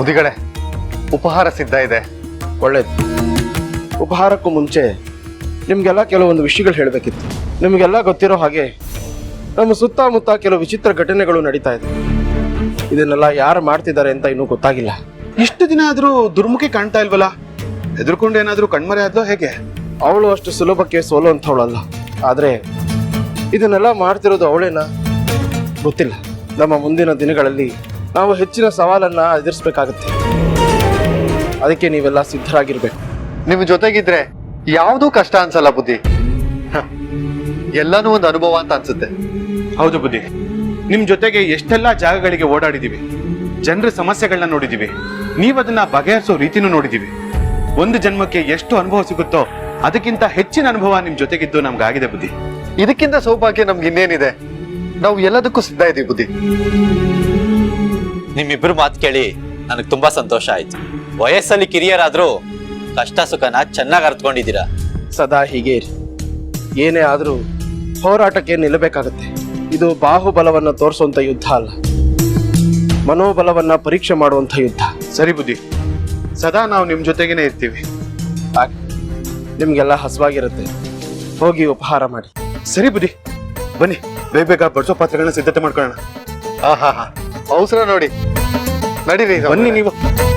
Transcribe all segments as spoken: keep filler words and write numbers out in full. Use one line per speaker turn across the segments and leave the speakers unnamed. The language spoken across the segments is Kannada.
ಮುದಿಗಳೇ, ಉಪಹಾರ ಸಿದ್ಧ ಇದೆ.
ಒಳ್ಳೇದು. ಉಪಹಾರಕ್ಕೂ ಮುಂಚೆ ನಿಮಗೆಲ್ಲ ಕೆಲವೊಂದು ವಿಷಯಗಳು ಹೇಳಬೇಕಿತ್ತು. ನಿಮಗೆಲ್ಲ ಗೊತ್ತಿರೋ ಹಾಗೆ ನಮ್ಮ ಸುತ್ತಮುತ್ತ ಕೆಲವು ವಿಚಿತ್ರ ಘಟನೆಗಳು ನಡೀತಾ ಇದೆ. ಇದನ್ನೆಲ್ಲ ಯಾರು ಮಾಡ್ತಿದ್ದಾರೆ ಅಂತ ಇನ್ನೂ ಗೊತ್ತಾಗಿಲ್ಲ.
ಇಷ್ಟು ದಿನ ಆದ್ರೂ ದುರ್ಮುಖಿ ಕಾಣ್ತಾ ಇಲ್ವಲ್ಲ? ಹೆದರ್ಕೊಂಡು ಏನಾದ್ರೂ ಕಣ್ಮರೆ ಆದ್ಲೋ ಹೇಗೆ?
ಅವಳು ಅಷ್ಟು ಸುಲಭಕ್ಕೆ ಸೋಲುವಂಥವಳಲ್ಲ. ಆದರೆ ಇದನ್ನೆಲ್ಲ ಮಾಡ್ತಿರೋದು ಅವಳೇನಾ ಗೊತ್ತಿಲ್ಲ. ನಮ್ಮ ಮುಂದಿನ ದಿನಗಳಲ್ಲಿ ನಾವು ಹೆಚ್ಚಿನ ಸವಾಲನ್ನ ಎದುರಿಸಬೇಕಾಗತ್ತೆ. ಅದಕ್ಕೆ ನೀವೆಲ್ಲ ಸಿದ್ಧರಾಗಿರ್ಬೇಕು.
ನಿಮ್ ಜೊತೆಗಿದ್ರೆ ಯಾವುದೂ ಕಷ್ಟ ಅನ್ಸಲ್ಲ ಬುದ್ಧಿ. ಎಲ್ಲಾನು ಒಂದು ಅನುಭವ ಅಂತ ಅನ್ಸುತ್ತೆ.
ಹೌದು ಬುದ್ಧಿ, ನಿಮ್ ಜೊತೆಗೆ ಎಷ್ಟೆಲ್ಲಾ ಜಾಗಗಳಿಗೆ ಓಡಾಡಿದೀವಿ, ಜನರ ಸಮಸ್ಯೆಗಳನ್ನ ನೋಡಿದೀವಿ, ನೀವದನ್ನ ಬಗೆಹರಿಸೋ ರೀತಿನೂ ನೋಡಿದೀವಿ. ಒಂದು ಜನ್ಮಕ್ಕೆ ಎಷ್ಟು ಅನುಭವ ಸಿಗುತ್ತೋ ಅದಕ್ಕಿಂತ ಹೆಚ್ಚಿನ ಅನುಭವ ನಿಮ್ ಜೊತೆಗಿದ್ದು ನಮ್ಗಾಗಿದೆ ಬುದ್ಧಿ.
ಇದಕ್ಕಿಂತ ಸೌಭಾಗ್ಯ ನಮ್ಗೆ ಇನ್ನೇನಿದೆ? ನಾವು ಎಲ್ಲದಕ್ಕೂ ಸಿದ್ಧ ಇದೀವಿ ಬುದ್ಧಿ.
ನಿಮ್ಮಿಬ್ರು ಮಾತು ಕೇಳಿ ನನಗೆ ತುಂಬಾ ಸಂತೋಷ ಆಯ್ತು. ವಯಸ್ಸಲ್ಲಿ ಕಿರಿಯರಾದ್ರೂ ಕಷ್ಟ ಸುಖನ ಚೆನ್ನಾಗಿ ಅರ್ಥಕೊಂಡಿದ್ದೀರಾ.
ಸದಾ ಹೀಗೆ ಇರಿ. ಏನೇ ಆದರೂ ಹೋರಾಟಕ್ಕೆ ನಿಲ್ಲಬೇಕಾಗತ್ತೆ. ಇದು ಬಾಹುಬಲವನ್ನ ತೋರಿಸುವಂತ ಯುದ್ಧ ಅಲ್ಲ, ಮನೋಬಲವನ್ನ ಪರೀಕ್ಷೆ ಮಾಡುವಂತ ಯುದ್ಧ.
ಸರಿ ಬುದ್ಧಿ, ಸದಾ ನಾವು ನಿಮ್ ಜೊತೆಗೇನೆ ಇರ್ತೀವಿ.
ಹಾಗೆ ನಿಮ್ಗೆಲ್ಲ ಹಸುವಾಗಿರುತ್ತೆ, ಹೋಗಿ ಉಪಹಾರ ಮಾಡಿ.
ಸರಿ ಬುದ್ಧಿ, ಬನ್ನಿ ಬೇಗ ಬೇಗ ಬಡಿಸೋ ಪಾತ್ರೆಗಳನ್ನ ಸಿದ್ಧತೆ ಮಾಡ್ಕೊಳ್ಳೋಣ.
ಹಾ ಹಾ ಹಾ ಅವಸರ ನೋಡಿ. ನಡೀರಿ,
ಬನ್ನಿ ನೀವು.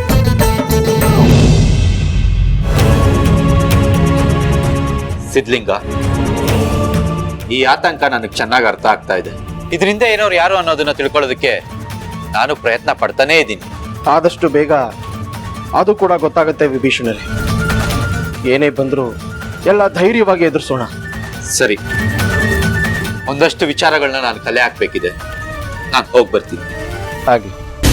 ಸಿದ್ಲಿಂಗ, ಈ ಆತಂಕ ನನಗೆ ಚೆನ್ನಾಗಿ ಅರ್ಥ ಆಗ್ತಾ ಇದೆ. ಇದರಿಂದ ಏನೋರು ಯಾರು ಅನ್ನೋದನ್ನ ತಿಳ್ಕೊಳ್ಳೋದಕ್ಕೆ ನಾನು ಪ್ರಯತ್ನ ಪಡ್ತಾನೇ ಇದ್ದೀನಿ.
ಆದಷ್ಟು ಬೇಗ ಅದು ಕೂಡ ಗೊತ್ತಾಗುತ್ತೆ ವಿಭೀಷಣರೇ. ಏನೇ ಬಂದರೂ ಎಲ್ಲ ಧೈರ್ಯವಾಗಿ ಎದುರಿಸೋಣ.
ಸರಿ, ಒಂದಷ್ಟು ವಿಚಾರಗಳನ್ನ ನಾನು ಕಲೆ ಹಾಕ್ಬೇಕಿದೆ. ನಾನು ಹೋಗಿ ಬರ್ತೀನಿ.
ಹಾಗೆ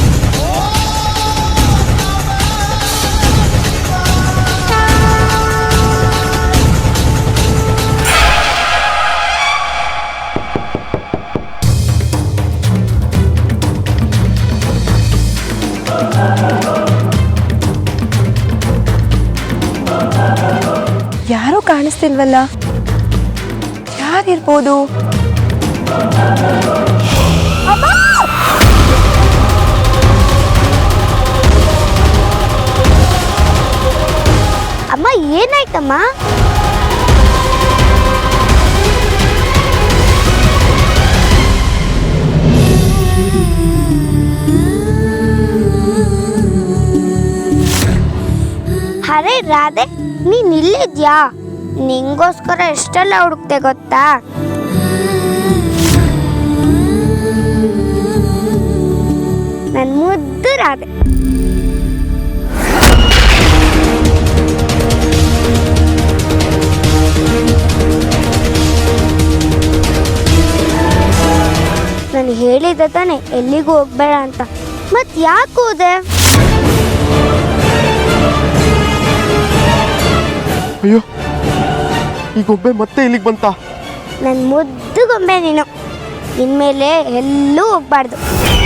ಯಾರೂ ಕಾಣಿಸ್ತಿಲ್ವಲ್ಲ, ಯಾರಿರ್ಬೋದು?
ಅಮ್ಮ, ಏನಾಯ್ತಮ್ಮ? ಅರೆ ರಾಧೆ, ನೀನ್ ಇಲ್ಲಿದ್ಯಾ? ನಿಂಗೋಸ್ಕರ ಎಷ್ಟೆಲ್ಲ ಹುಡುಕ್ತೆ ಗೊತ್ತಾ? ನನ್ ಮುದ್ದು ರಾಧೆ. ನಾನು ಹೇಳಿದ್ದೆ ತಾನೆ ಎಲ್ಲಿಗೂ ಹೋಗ್ಬೇಡ ಅಂತ, ಮತ್ ಯಾಕೆ ಹೋದೆ?
ಅಯ್ಯೋ, ಈ ಗೊಂಬೆ ಮತ್ತೆ ಇಲ್ಲಿಗೆ ಬಂತ?
ನನ್ನ ಮುದ್ದು ಗೊಂಬೆ ನೀನು. ಇನ್ಮೇಲೆ ಎಲ್ಲೂ ಹೋಗ್ಬಾರ್ದು.